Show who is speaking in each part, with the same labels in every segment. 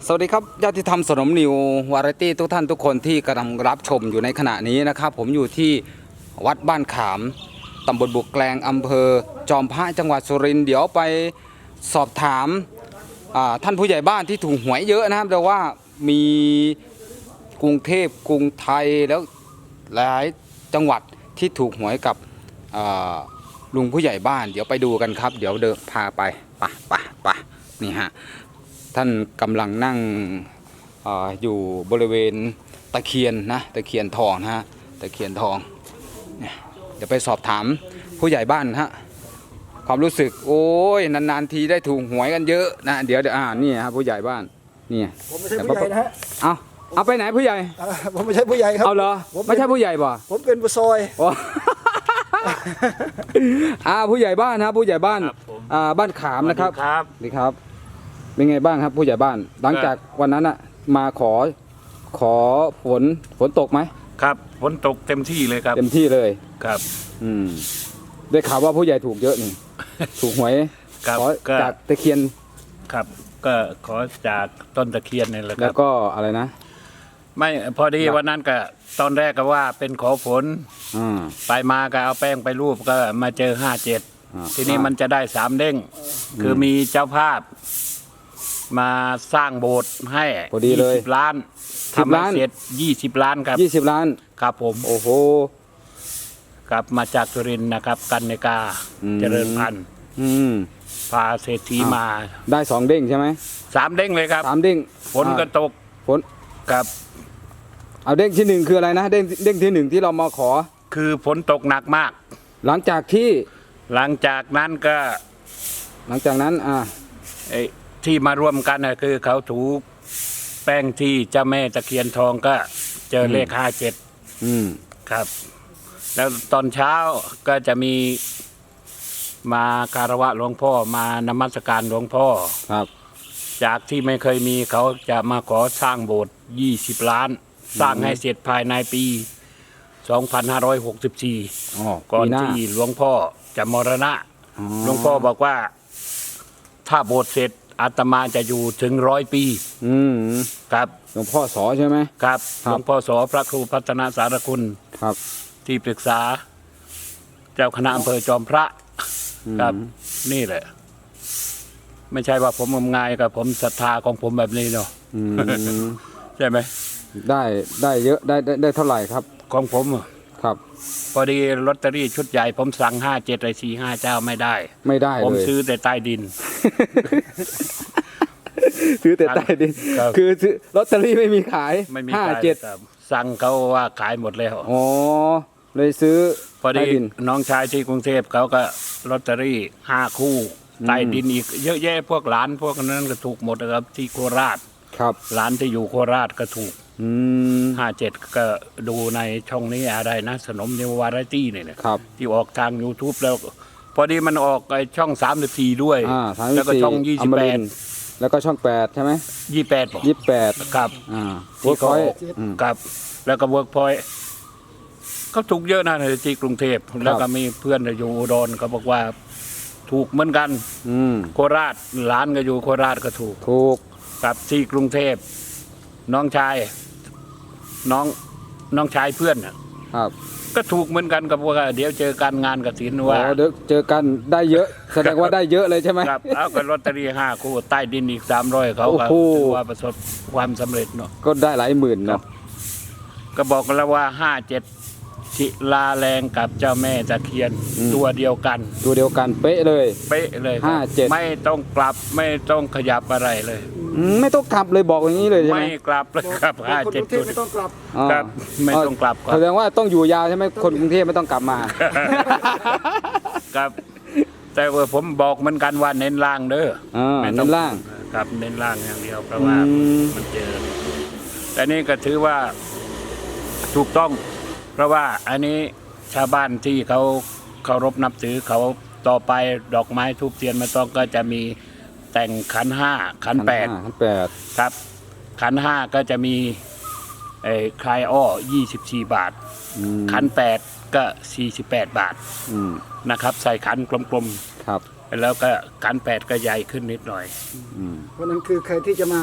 Speaker 1: สวัสดีครับญาติธรรมสนมนิววาไรตี้ทุกท่านทุกคนที่กำลังรับชมอยู่ในขณะนี้นะครับผมอยู่ที่วัดบ้านขามตำบลบุกแกลงอำเภอจอมพระจังหวัดสุรินทร์เดี๋ยวไปสอบถามท่านผู้ใหญ่บ้านที่ถูกหวยเยอะนะครับแต่ว่ามีกรุงเทพกรุงไทยแล้วหลายจังหวัดที่ถูกหวยกับลุงผู้ใหญ่บ้านเดี๋ยวไปดูกันครับเดี๋ยวเดินพาไปไปนี่ฮะท่านกำลังนั่งอยู่บริเวณตะเคียนนะตะเคียนทองนะฮะตะเคียนทองเดี๋ยวไปสอบถามผู้ใหญ่บ้านฮะความรู้สึกโอ้ยนานๆทีได้ถูกหวยกันเยอะนะเดี๋ยวนี่ฮะผู้ใหญ่บ้านนี่
Speaker 2: ผมไม่ใช่ผู้ใหญ่นะฮะ
Speaker 1: เอาไปไหนผู้ใหญ่
Speaker 2: ผมไม่ใช่ผู้ใหญ่ครับ
Speaker 1: เอาเหรอไม่ใช่ผู้ใหญ่ป่ะ
Speaker 2: ผมเป็นผู้ซอย
Speaker 1: ผู้ใหญ่บ้านนะผู้ใหญ่บ้านบ้านขามนะครับดีครับเป็นไงบ้างครับผู้ใหญ่บ้านหลังจากวันนั้นมาขอฝนตกไหม
Speaker 3: ครับฝนตกเต็มที่เลยครับ
Speaker 1: เต็มที่เลย
Speaker 3: ครับ
Speaker 1: ได้ข่าวว่าผู้ใหญ่ถูกเยอะนี่ ถูกหวยขอจากตะเคียน
Speaker 3: ครับก็ขอจากต้นตะเคียนนี่แหละครับ
Speaker 1: แล้วก็อะไรนะ
Speaker 3: ไม่พอดีวันนั้นก็ตอนแรกก็ว่าเป็นขอฝนไปมาก็เอาแป้งไปรูปก็มาเจอ57ทีนี้มันจะได้3เด้งคือมีเจ้าภาพมาสร้างโบสถ์ให้
Speaker 1: พอดีเลย
Speaker 3: 20 ล้านทำให้เสร็จ20 ล้านครับ
Speaker 1: 20 ล้าน
Speaker 3: ครับผม
Speaker 1: โอ้โห
Speaker 3: กลับมาจากสุรินทร์นะครับกันเนกาเจริญพันธุ์พาเศรษฐีมา
Speaker 1: ได้2เด้งใช่ไหม
Speaker 3: 3เด้งเลยครับ
Speaker 1: 3เด้ง
Speaker 3: ฝนก็ตก
Speaker 1: ฝน
Speaker 3: ครับ
Speaker 1: เอาเด้งที่1คืออะไรนะเด้งที่1ที่เรามาขอ
Speaker 3: คือฝนตกหนักมาก
Speaker 1: หลังจาก
Speaker 3: นั้นก็
Speaker 1: หลังจากนั้น
Speaker 3: ที่มาร่วมกันคือเขาถูแป้งที่เจ้าแม่ตะเคียนทองก็เจอเลข57ครับแล้วตอนเช้าก็จะมีมาคารวะหลวงพ่อมานมัสการหลวงพ่อ
Speaker 1: ครับ
Speaker 3: จากที่ไม่เคยมีเขาจะมาขอสร้างโบสถ์20 ล้านสร้างให้เสร็จภายในปี2564ก่อนที่หลวงพ่อจะมรณะหลวงพ่อบอกว่าถ้าโบสถ์เสร็จอาตมาจะอยู่ถึง100 ปีครับ
Speaker 1: หลวงพ่อสอใช่ไหม
Speaker 3: ครับหลวงพ่อสอพระครูพัฒนาสารคุณ
Speaker 1: ครับ
Speaker 3: ที่ปรึกษาเจ้าคณะอำเภอจอมพระครับนี่แหละไม่ใช่ว่าผมงมงายกับผมศรัทธาของผมแบบนี้เนาะใช่ไหม
Speaker 1: ได้เยอะได้เท่าไหร่ครับ
Speaker 3: ของผม
Speaker 1: ครับ
Speaker 3: พอดีลอตเตอรี่ชุดใหญ่ผมสั่ง57ไอ้45เจ้าไม่ได้ผมซื้อแต่ใต้ดิน
Speaker 1: ซื้อแต่ใต้ดินคือลอตเตอรี่ไม่มีขาย
Speaker 3: 57สั่งเขาว่าขายหมดแล้ว
Speaker 1: อ๋อเลยซื้อ
Speaker 3: พอดีน้องชายที่กรุงเทพเขาก็ลอตเตอรี่5 คู่ใต้ดินอีกเยอะแยะพวกหลานพวกนั้นก็ถูกหมดครับที่โคราช
Speaker 1: ครับ
Speaker 3: หลานที่อยู่โคราชก็ถูก57ก็ดูในช่องนี้อะไรนะสนมนิววาไรตี้เนี่ยที่ออกทาง YouTube แล้วพอดีมันออกไอช่อง34ด้วยแล้วก็ช่อง28
Speaker 1: แล้วก็ช่อง8ใช่ไหม28
Speaker 3: ครับ
Speaker 1: เวิร์กพอยต์
Speaker 3: ครับแล้วก็เวิร์กพอยต์เขาถูกเยอะนะในที่กรุงเทพแล้วก็มีเพื่อนอยู่อุดรเขาบอกว่าถูกเหมือนกันโคราชหลานก็อยู่โคราชก็ถูกกับที่กรุงเทพน้องชายเพื่อน
Speaker 1: ครับ
Speaker 3: ก็ถูกเหมือนกันกับว่าเดี๋ยวเจอการงานกฐินว่า
Speaker 1: เดี๋ยวเจอกันได้เยอะแสดงว่าได้เยอะเลยใช่ไหม
Speaker 3: ครับเอาก็ลอตเตอรี่5 คู่ใต้ดินอีก300เขาก็ถือว่าประสบความสำเร็จเนาะ
Speaker 1: ก็ได้หลายหมื่นเนาะ
Speaker 3: ก็บอกกันแล้วว่า57ศิลาแรงกับเจ้าแม่ตะเคียนตัวเดียวกัน
Speaker 1: เป๊ะเลย
Speaker 3: 57ไม่ต้องกลับไม่ต้องขยับอะไรเลย
Speaker 1: ไม่ต้องกลับเลยบอกอย่างนี้เลยใช่ไหม
Speaker 3: ไม่กลับเลยครับ57
Speaker 2: ไม่ต้องกลับ
Speaker 3: ครับไม่ต้องกลับ
Speaker 1: แสดงว่าต้องอยู่ยาวใช่ไหมคนกรุงเทพไม่ต้องกลับมา
Speaker 3: ครับแต่ว่าผมบอกเหมือนกันว่าเน้นล่างเด้อ
Speaker 1: เน้นล่าง
Speaker 3: ครับเน้นล่างอย่างเดียวเพราะว่ามันเจอแต่นี่ก็ถือว่าถูกต้องเพราะว่าอันนี้ชาวบ้านที่เขาเคารพนับถือเขาต่อไปดอกไม้ทูบเทียนมาต้องก็จะมีแต่งขัน5ขัน8ครับขัน5ก็จะมีคลายอ้อ24 บาทขัน8ก็48 บาทนะครับใส่ขันกลมๆ
Speaker 1: ครับ
Speaker 3: แล้วก็ขัน8ก็ใหญ่ขึ้นนิดหน่อย
Speaker 2: เพราะนั้นคือใครที่จะมา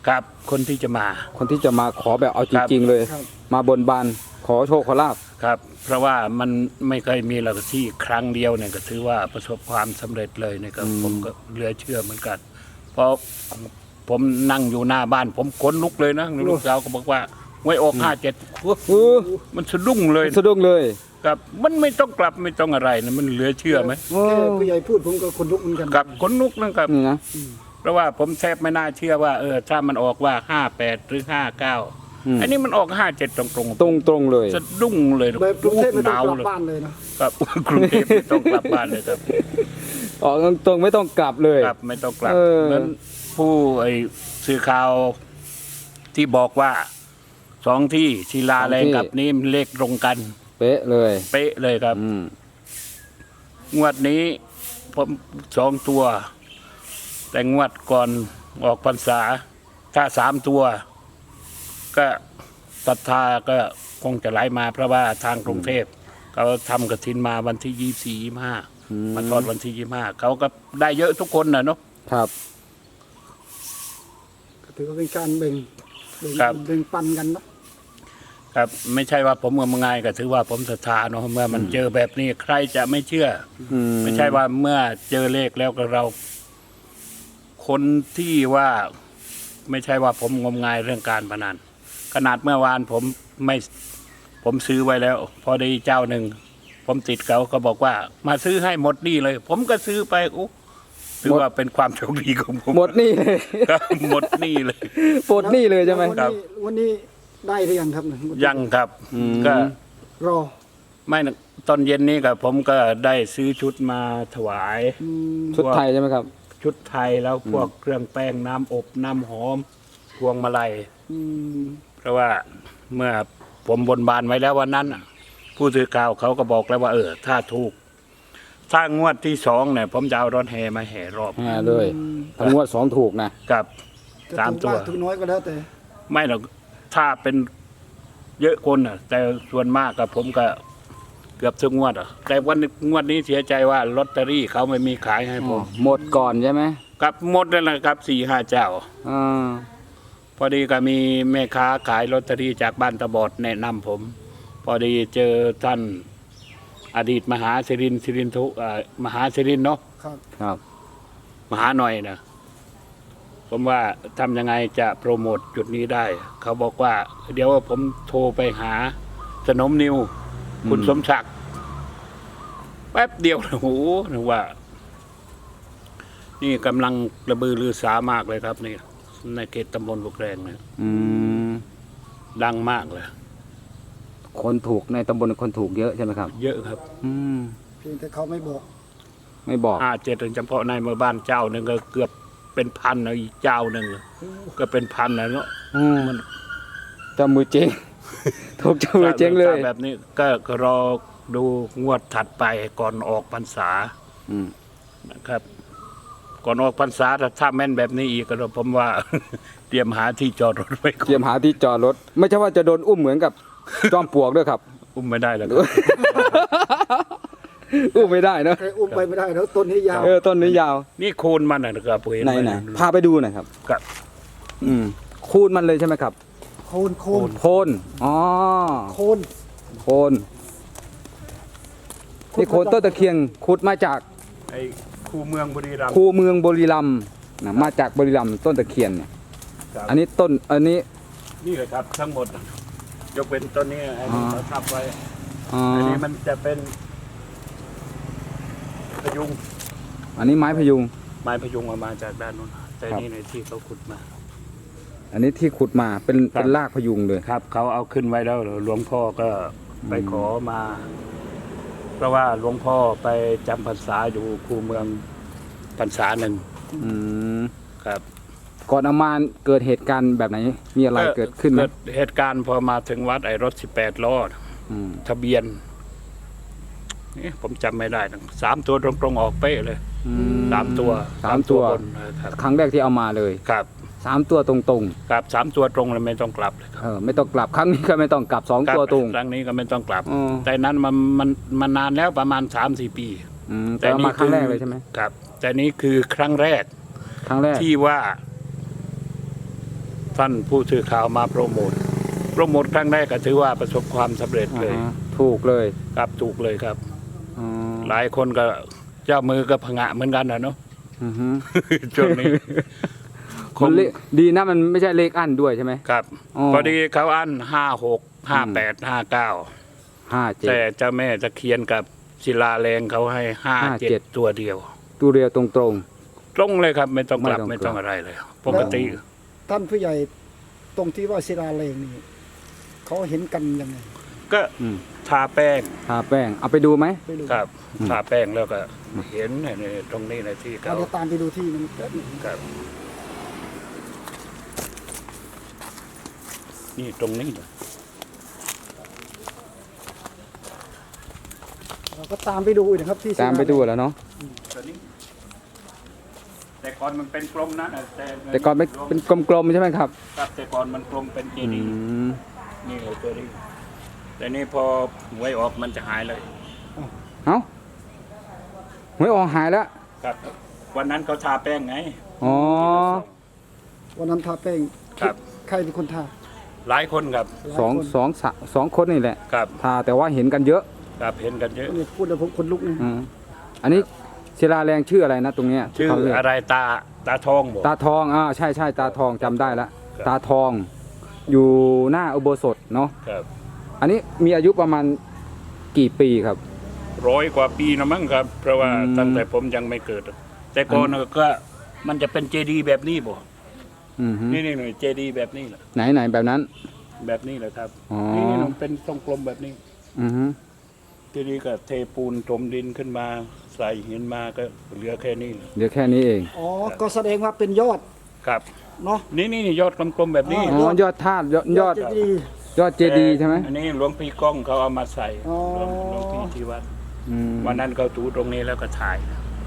Speaker 3: ครับคนที่จะมา
Speaker 1: คนที่จะมาขอแบบเอาจริงๆเลย
Speaker 2: ครับ
Speaker 1: มาบนบานขอโชคขอลาบ
Speaker 3: ครับ เพราะว่ามันไม่เคยมีหลักที่ครั้งเดียวเนี่ยก็ถือว่าประสบความสำเร็จเลยนะครับผมก็เหลือเชื่อเหมือนกัน เพราะผมนั่งอยู่หน้าบ้านผมขนลุกเลยนะลูกสาวก็บอกว่าไว้ออก57มันสะดุ้งเลย
Speaker 1: สะดุ้งเลย
Speaker 3: ครับมันไม่ต้องกลับไม่ต้องอะไรนะมันเหลือเชื่อไหม
Speaker 2: แค่ผู้ใหญ่พูดผมก็คนลุกเหมือนกัน
Speaker 3: กับขนลุกนะครับ
Speaker 1: นี่นะ
Speaker 3: เพราะว่าผมแทบไม่น่าเชื่อว่าถ้ามันออกว่า58หรือ59อันนี้มันออก57ตรง
Speaker 1: ตรงๆเลย
Speaker 3: สะดุ้งเลย
Speaker 2: แบบกรุงเทพไม่
Speaker 3: ห
Speaker 2: ต้อง
Speaker 3: นาว
Speaker 2: กลับ
Speaker 3: เลย
Speaker 2: บ้านเลยเนาะ
Speaker 3: ครับ กรุงเทพไม่ต้องกลับบ้านเลยครับ
Speaker 1: ออกตรงๆไม่ต้องกลับเลย
Speaker 3: ครับไม่ต้องกลับ
Speaker 1: เออ
Speaker 3: เหมือนผู้สื่อข่าวที่บอกว่า2 ที่ศิลาแรงกับนี่เลขตรงกัน
Speaker 1: เป๊ะเลย
Speaker 3: เป๊ะเลยครับ
Speaker 1: อืม
Speaker 3: งวดนี้ผม2 ตัว แต่งวดก่อนออกพรรษา ถ้า3 ตัว ก็ศรัทธาก็คงจะไหลมาเพราะว่าทางกรุงเทพเขาทำกฐินมาวันที่24 25มาทอดวันที่25เขาก็ได้เยอะทุกคนนะเนาะ
Speaker 1: ครับ
Speaker 2: ก็ถือว่าเป็นการแบ่ง
Speaker 3: ครับ
Speaker 2: แบ่งปันกันเนาะ
Speaker 3: ครับไม่ใช่ว่าผมงมงายก็ถือว่าผมศรัทธาเนาะเมื่อมันเจอแบบนี้ใครจะไม่เชื่อ
Speaker 1: อืม
Speaker 3: ไม่ใช่ว่าเมื่อเจอเลขแล้วก็เรา คนที่ว่าไม่ใช่ว่าผมงมงายเรื่องการพนันขนาดเมื่อวานผมซื้อไว้แล้ว พอดีเจ้าหนึ่งผมติดเขาก็บอกว่า มาซื้อให้หมดหนี่เลย ผมก็ซื้อไปอุ๊ถือว่าเป็นความโชคดีของผม
Speaker 1: หมดหนี่เลย
Speaker 3: ครับหมดหนี่เลย
Speaker 1: ปลดหนี่เลยใช่ไหม
Speaker 2: วันนี้วันนี้ได้หรือยังครับ
Speaker 3: ยังครับ
Speaker 1: อืม
Speaker 3: ก็
Speaker 2: รอ
Speaker 3: ไม่นะตอนเย็นนี้กับผมก็ได้ซื้อชุดมาถวาย
Speaker 2: อืม
Speaker 1: ชุดไทยใช่ไหมครับ
Speaker 3: ชุดไทยแล้วพวกเครื่องแป้งน้ำอบน้ำหอมพวงมาลัย
Speaker 2: อืม
Speaker 3: เพราะว่าเมื่อผมบนบานไว้แล้ววันนั้นน่ะผู้สื่อข่าวเขาก็บอกแล้วว่าถ้าถูก ถ้างวดที่2เนี่ย ผมจะเอารถแห่มาแห่รอบ
Speaker 1: เลยทั้งงวด2ถูกนะ
Speaker 3: กับ
Speaker 2: จะ
Speaker 3: สาม
Speaker 2: ถูก
Speaker 3: ตัว
Speaker 2: มากถูกน้อยก็แล้วแต่
Speaker 3: ไม่หรอกถ้าเป็นเยอะคนน่ะ แต่ส่วนมากกับผมก็เกือบทุกงวดอ่ะแต่วันงวดนี้เสียใจว่าลอตเตอรี่เขาไม่มีขายให้ผม
Speaker 1: หมดก่อนใช่ไหม
Speaker 3: กับหมดแล้วนะครับ4-5 เจ้า
Speaker 1: อ่า
Speaker 3: พอดีก็มีแม่ค้าขายลอตเตอรี่จากบ้านตะบอดแนะนำผม พอดีเจอท่านอดีตมหาศิรินทุมหาศิรินเนาะ
Speaker 2: ครับ
Speaker 1: ครับ
Speaker 3: มหาหน่อยนะผมว่าทำยังไงจะโปรโมทจุดนี้ได้ เขาบอกว่า เดี๋ยวผมโทรไปหาสนมนิว คุณสมศักดิ์แป๊บเดียวโอ้โหนึกว่า นี่กำลังระบือรือสามากเลยครับนี่ในเขตตำบลบุกแรงเนี่ย
Speaker 1: อืม
Speaker 3: ดังมากเลย
Speaker 1: คนถูกในตำบลคนถูกเยอะใช่ไหมครับ
Speaker 3: เยอะครับ
Speaker 1: อืม
Speaker 2: เพียงแต่เขาไม่บอก
Speaker 1: ไม่บอก
Speaker 3: 57ถึงเฉพาะในหมู่บ้านเจ้าหนึ่งก็เกือบเป็นพันนะอีกเจ้าหนึ่งก็เป็นพันนะเนาะ
Speaker 1: อืมเจ้ามือเจ๊ง ถูกเจ้ามือเจ๊งเลย
Speaker 3: ถ้าแบบนี้ก็รอดูงวดถัดไปก่อนออกพรรษา
Speaker 1: อืม
Speaker 3: นะครับ ก่อนออกพรรษาถ้าแม่นแบบนี้อีกก็ผมว่า เตรียมหาที่จอดรถไว้ก่
Speaker 1: เตรี
Speaker 3: อย น
Speaker 1: มหาที่จอดรถ ไม่ใช่ว่าจะโดนอุ้มเหมือนกับ จอมปลวกด้วยครับ
Speaker 3: อุ้มไม่ได้แล้วครับ
Speaker 1: อุ้มไม่ได้เนอะ
Speaker 2: ใครอุ้มไปไม่ได้แล้วต้นนี้ยาว
Speaker 1: ต้นนี้ยาว
Speaker 3: นี่โคนมันนะครับผมเห็น
Speaker 1: ไหน
Speaker 3: ไหม
Speaker 1: ไหนพาไปดูหน่อยครับ
Speaker 3: กับ
Speaker 1: อืมคูณมันเลยใช่ไหมครับ
Speaker 2: โคนโคน
Speaker 1: โคนอ๋อ
Speaker 2: โคน
Speaker 1: โคนนี่โคนต้นตะเคียนขุดมาจาก
Speaker 3: ไอ้คูเมืองบุรีรัมย์
Speaker 1: คูเมืองบุรีรัมย์นะมาจากบุรีรัมย์ต้นตะเคียนเนี่ย
Speaker 3: ครับ
Speaker 1: อันนี้ต้นอันนี้
Speaker 3: นี่เลยครับทั้งหมด ยกเป็นต้นนี้อันนี้เขาทับไว้
Speaker 1: อ๋อ
Speaker 3: อันนี้มันจะเป็นพยุง
Speaker 1: อันนี้ไม้พยุง
Speaker 3: ไม้พยุงออกมาจากด้านนู้นแต่
Speaker 1: ครับ
Speaker 3: นี่ในที่เขาขุดมา
Speaker 1: อันนี้ที่ขุดมาเป็น
Speaker 3: ครับ
Speaker 1: เป็นรากพยุงเลย
Speaker 3: ครับเขาเอาขึ้นไว้แล้วหลวงพ่อก็ไปขอมา เพราะว่าหลวงพ่อไปจำพรรษาอยู่คูเมืองพรรษาหนึ่ง
Speaker 1: อืม
Speaker 3: ครับ
Speaker 1: ก่อนเอามาเกิดเหตุการณ์แบบไหน มีอะไรเกิดขึ้นไหม
Speaker 3: เกิดเหตุการณ์พอมาถึงวัดไอ้รถ18 ล้อ
Speaker 1: อืม
Speaker 3: ทะเบียนนี่ผมจำไม่ได้นะ3 ตัวตรงๆออกเป๊ะเลย
Speaker 1: อืม
Speaker 3: 3 ตัว
Speaker 1: สามตัว
Speaker 3: บนนะครับ
Speaker 1: ครั้งแรกที่เอามาเลย
Speaker 3: ครับ
Speaker 1: 3 ตัวตรง
Speaker 3: ครับ3 ตัวตรงเลยไม่ต้องกลับเลยครับ
Speaker 1: ๆไม่ต้องกลับครั้งนี้ก็ไม่ต้องกลับ2 ตัวตรง
Speaker 3: ครั้งนี้ก็ไม่ต้องกลับ
Speaker 1: อ๋อ
Speaker 3: แต่นั้นมันนานแล้วประมาณ 3-4 ปี
Speaker 1: แต่เอามาครั้งแรกเลยใช่ไหม
Speaker 3: ครับ แต่นี้คือครั้งแรก
Speaker 1: ครั้งแรก
Speaker 3: ที่ว่าท่านผู้สื่อข่าวมาโปรโมทครั้งแรกก็ถือว่าประสบความสำเร็จเลย
Speaker 1: ถูกเลย
Speaker 3: ครับถูกเลยครับ
Speaker 1: อ๋อ
Speaker 3: หลายคนก็เจ้ามือก็ผงะเหมือนกันนะเนาะ
Speaker 1: อือฮึ
Speaker 3: ช่วงนี้
Speaker 1: มันเลขดีนะมันไม่ใช่เลขอั้นด้วยใช่ไหม
Speaker 3: ครับ
Speaker 1: อ๋อ
Speaker 3: พอดีเขาอัน56 58 59
Speaker 1: 57
Speaker 3: แต่เจ้าแม่ตะเคียนกับศิลาแรงเขาให้57ตัวเดียว
Speaker 1: ตัวเรียวตรง
Speaker 3: ตรงเลยครับไม่ต้องกลับ
Speaker 1: ไม่
Speaker 3: ไม่
Speaker 1: ต้
Speaker 3: ต้
Speaker 1: อ
Speaker 3: อง ง
Speaker 1: กลับ
Speaker 3: อะไรเลย ปกติ
Speaker 2: ท่านผู้ใหญ่ตรงที่ว่าศิลาเลงนี่เขาเห็นกันยังไง
Speaker 3: ก็
Speaker 1: ๆอืม
Speaker 3: ทาแป้ง
Speaker 1: ทาแป้งเอาไปดูไหม
Speaker 2: ไปดู
Speaker 3: ครับทาแป้งแล้วก็เห็นในตรงนี้ในที่
Speaker 2: เอา
Speaker 3: เขา
Speaker 2: เดี๋ยวตามไปดูที่นึงแป๊บหนึง
Speaker 3: ครับนี่ตรงนี้นะ
Speaker 2: เราก็ตามไปดูอีกนะครับที่ศิล
Speaker 1: ตามไปดูแล้วเนาะ
Speaker 3: ตัวนี้แต่ก่อนมันเป็นกลมนะ
Speaker 1: แต่ก่อนเป็นกลมๆใช่ไหมครับ
Speaker 3: ครับแต่ก่อนมันกลมเป็นเจ
Speaker 1: อื
Speaker 3: ดีย์
Speaker 1: ม
Speaker 3: นี่เลยตัวนี้แต่นี่พอหวยออกมันจะหายเลย
Speaker 1: เอ้าหวยออกหายแล้ว
Speaker 3: ครับ วันนั้นเขาทาแป้งไง
Speaker 1: อ๋อ
Speaker 2: วันนั้นทาแป้ง
Speaker 3: ครับ
Speaker 2: ใครเป็นคนทา
Speaker 3: หลายคนครับ
Speaker 2: หลายคน
Speaker 1: สองคนนี่แหละ
Speaker 3: ครับ
Speaker 1: ทาแต่ว่าเห็นกันเยอะ
Speaker 3: ครับเห็นกันเยอะ
Speaker 2: นี่พูดแล้วผมคนลุกนะ
Speaker 1: อืมอันนี้ศิลาแรงชื่ออะไรนะตรงเนี้ย
Speaker 3: ชื่อ
Speaker 1: เขาเรียก
Speaker 3: อะไรตาทองบอก
Speaker 1: ตาทองใช่ตาทองจำได้ละ
Speaker 3: ครับ
Speaker 1: ตาทอง อยู่หน้าอุโบสถเนาะ
Speaker 3: ครับ
Speaker 1: อันนี้มีอายุประมาณกี่ปีครับ
Speaker 3: 100 กว่าปีนะมั้งครับ เพราะว่า
Speaker 1: อืม
Speaker 3: ตั้งแต่ผมยังไม่เกิด แต่ก่อนก็มันจะเป็นเจดีย์แบบนี้บ่
Speaker 1: อือฮึ
Speaker 3: นี่หน่อยเจดีย์แบบนี้แหละ
Speaker 1: ไหนแบบนั้น
Speaker 3: แบบนี้แหละครับ
Speaker 1: อ๋อ
Speaker 3: นี่มันเป็นทรงกลมแบบนี้
Speaker 1: อือฮึ
Speaker 3: ทีนี้ก็เทปูนถมดินขึ้นมาใส่หินมาก็เหลือแค่นี้เลย
Speaker 1: เดี๋ยวแค่นี้เอง
Speaker 2: อ๋อก็แสดงว่าเป็นยอด
Speaker 3: ครับ
Speaker 2: เนาะ
Speaker 3: นี่ยอดกลมๆแบบนี้
Speaker 1: อ๋อยอดธาตุยอด
Speaker 2: จะดี
Speaker 1: ยอดเจดีย์ใช่ไหม
Speaker 3: อันนี้หลวงพี่ก้องเขาเอามาใส่
Speaker 2: อ๋อ
Speaker 3: หลวงพี่ที่วัด
Speaker 1: อืม
Speaker 3: วันนั้นเขาถูตรงนี้แล้วก็ถ่าย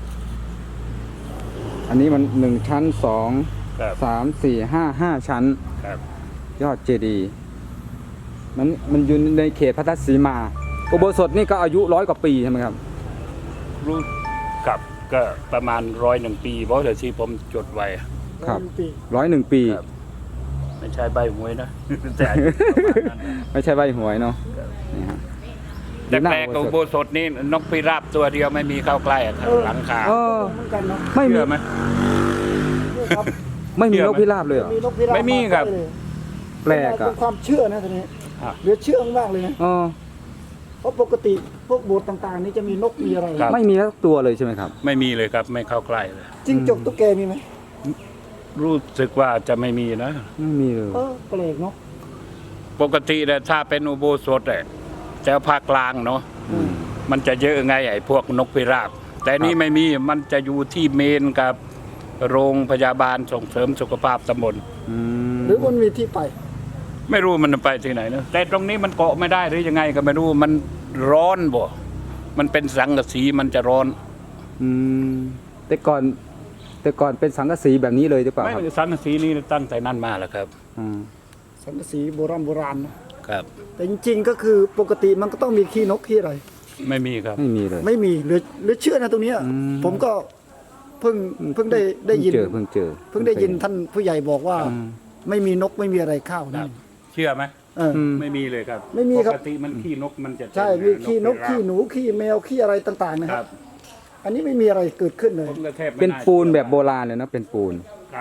Speaker 1: อันนี้มัน1 ชั้น
Speaker 3: ครับ
Speaker 1: 2 3 4 5 ชั้น
Speaker 3: ครับ
Speaker 1: ยอดเจดีย์มันอยู่ในเขตพัทสีมา อุโบสถนี่ก็อายุ100 กว่าปีใช่ไหมครับ
Speaker 3: รู้กับก็ประมาณ101 ปีเพราะเดี๋ยวที่ผมจดไว้
Speaker 1: ครับ
Speaker 2: ปี
Speaker 1: 101 ปี
Speaker 3: ครับ ไม่ใช่ใบหวยนะ แต่อายุประมาณนั้นนะ
Speaker 1: ไม่ใช่ใบหวยเนาะนี่ฮะ
Speaker 3: แต่แปลกกับอุโบสถนี่นกพิราบตัวเดียวไม่มีเข้าใกล้อะครับหลังคา
Speaker 1: เออ
Speaker 2: เหมือนกันเนาะ
Speaker 1: ไม่มี
Speaker 3: เชื่อไหม
Speaker 2: นี่ครับ
Speaker 1: ไม่มี
Speaker 3: เชื่
Speaker 1: น
Speaker 3: อไหม
Speaker 1: กพิราบเลยเหรอ
Speaker 2: มีนกพิราบ
Speaker 3: ไม่มีครับ
Speaker 2: าเลย
Speaker 1: แปลก
Speaker 2: เป็
Speaker 1: อ่ะ
Speaker 2: นความเชื่อนะทีนี้
Speaker 3: อ่ะ
Speaker 2: เหลือเชื่อมากเลยนะ
Speaker 1: อ๋อ
Speaker 2: เพราะปกติพวกโบสถ์ต่างๆ นี่จะมีนกมีอะไร
Speaker 3: ครับ
Speaker 1: ไม่มีสักตัวเลยใช่ไหมครับ
Speaker 3: ไม่มีเลยครับไม่เข้าใกล้เลย
Speaker 2: จิ้งจกตุ๊กแกมีไหม
Speaker 3: รู้สึกว่าจะไม่มีนะ
Speaker 1: ไม่มีเลย
Speaker 2: แปลกเนาะ
Speaker 3: ปกติเนี่ยถ้าเป็นอุโบสถเนี่ยแถวภาคกลางเนาะ
Speaker 2: อืม
Speaker 3: มันจะเยอะไงไอ้พวกนกพิราบ แต่นี่ไม่มีมันจะอยู่ที่เมนกับโรงพยาบาลส่งเสริมสุขภาพตำบล
Speaker 1: อืม
Speaker 2: หรือมันมีที่ไป
Speaker 3: ไม่รู้มันไปที่ไหนเนอะแต่ตรงนี้มันเกาะไม่ได้หรือยังไงก็ไม่รู้มันร้อนบ่มันเป็นสังกะสีมันจะร้อน
Speaker 1: อืมแต่ก่อนเป็นสังกะสีแบบนี้เลยหรือเปล่า
Speaker 3: ไม่
Speaker 1: ครับ
Speaker 3: สังกะสีนี่ตั้งแต่นั้นมาแล้วครับ
Speaker 1: อืม
Speaker 2: สังกะสีโบราณนะครับ แต่จริงๆก็คือปกติมันก็ต้องมีขี้นกขี้อะไร
Speaker 3: ไม่มีครับ
Speaker 1: ไม่มีเลย
Speaker 2: ไม่มีหรือเชื่อนะตรงเนี้ย
Speaker 1: อืม
Speaker 2: ผมก็เพิ่งได้ยิน
Speaker 1: เพิ่งเจอ
Speaker 2: เพิ่งได้ยินท่านผู้ใหญ่บอกว่า
Speaker 1: อืม
Speaker 2: ไม่มีนกไม่มีอะไรเข้า
Speaker 3: ค
Speaker 2: นี่
Speaker 3: รับ เชื่อไหม
Speaker 2: เออ
Speaker 1: อืม
Speaker 3: ไม่มีเลยครับ
Speaker 2: ไม่มีครับ
Speaker 3: ปกติมันขี้นกมันจะ
Speaker 2: ใช่มีขี้นก
Speaker 3: พิราบ
Speaker 2: ขี้หนูขี้แมวขี้อะไรต่างๆนะ
Speaker 3: ค
Speaker 2: ค
Speaker 3: รั
Speaker 2: รับ บ อันนี้ไม่มีอะไรเกิดขึ้นเลย
Speaker 3: ผมก็แทบไม่
Speaker 1: เป็น
Speaker 3: า
Speaker 1: ปูนแบบโบราณเลยนะเป็นปูน
Speaker 3: ครับ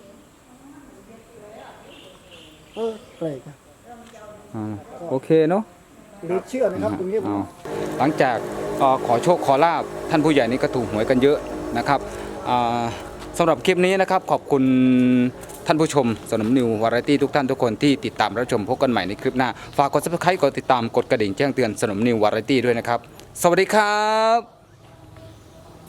Speaker 2: แปลกอะ
Speaker 1: อ่าโอเคเนาะ
Speaker 2: หรือเชื่อนะครับตรงนี้ผม
Speaker 1: อ้าวหลังจากขอโชคขอลาบท่านผู้ใหญ่นี่ก็ถูกหวยกันเยอะนะครับสำหรับคลิปนี้นะครับขอบคุณท่านผู้ชมสนมนิววาไรตี้ทุกท่านทุกคนที่ติดตามรับชมพบกันใหม่ในคลิปหน้าฝากกด subscribe กดติดตามกดกระดิ่งแจ้งเตือนสนมนิววาไรตี้ด้วยนะครับสวัสดีครับ